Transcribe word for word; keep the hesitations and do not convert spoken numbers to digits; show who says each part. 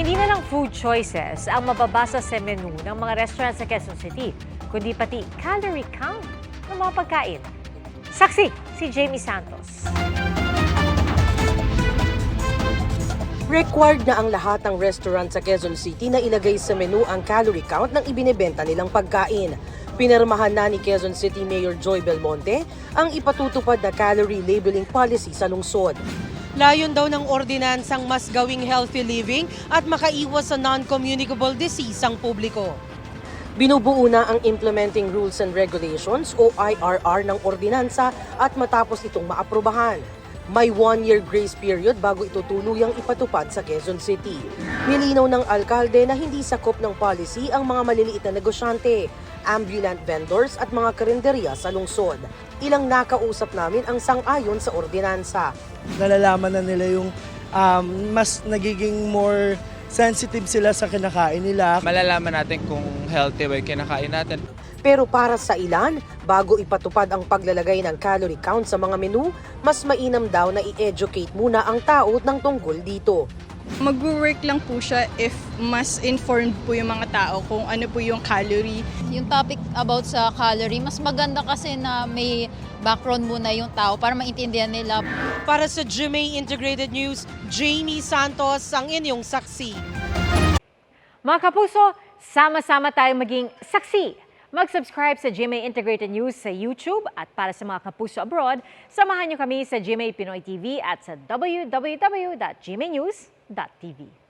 Speaker 1: Hindi na lang food choices ang mababasa sa menu ng mga restaurant sa Quezon City, kundi pati calorie count ng mga pagkain. Saksi si Jamie Santos.
Speaker 2: Required na ang lahat ng restaurant sa Quezon City na ilagay sa menu ang calorie count ng ibinebenta nilang pagkain. Pinirmahan na ni Quezon City Mayor Joy Belmonte ang ipatutupad na calorie labeling policy sa lungsod. Layon daw ng ordinansang mas gawing healthy living at makaiwas sa non-communicable disease ang publiko. Binubuo na ang Implementing Rules and Regulations o I R R ng ordinansa at matapos itong maaprubahan. May one-year grace period bago ito tuluyang ipatupad sa Quezon City. Nilinaw ng alkalde na hindi sakop ng policy ang mga maliliit na negosyante, ambulant vendors at mga karinderya sa lungsod. Ilang nakausap namin ang sang-ayon sa ordinansa.
Speaker 3: Nalalaman na nila yung um, mas nagiging more sensitive sila sa kinakain nila.
Speaker 4: Malalaman natin kung healthy ba yung kinakain natin.
Speaker 2: Pero para sa ilan, bago ipatupad ang paglalagay ng calorie count sa mga menu, mas mainam daw na i-educate muna ang tao ng tungkol dito.
Speaker 5: Mag-work lang po siya if mas informed po yung mga tao kung ano po yung calorie.
Speaker 6: Yung topic about sa calorie, mas maganda kasi na may background muna yung tao para maintindihan nila.
Speaker 2: Para sa G M A Integrated News, Jamie Santos ang inyong saksi.
Speaker 1: Mga kapuso, sama-sama tayong maging saksi. Mag-subscribe sa G M A Integrated News sa YouTube at para sa mga kapuso abroad, samahan niyo kami sa G M A Pinoy T V at sa w w w dot g m a news dot t v.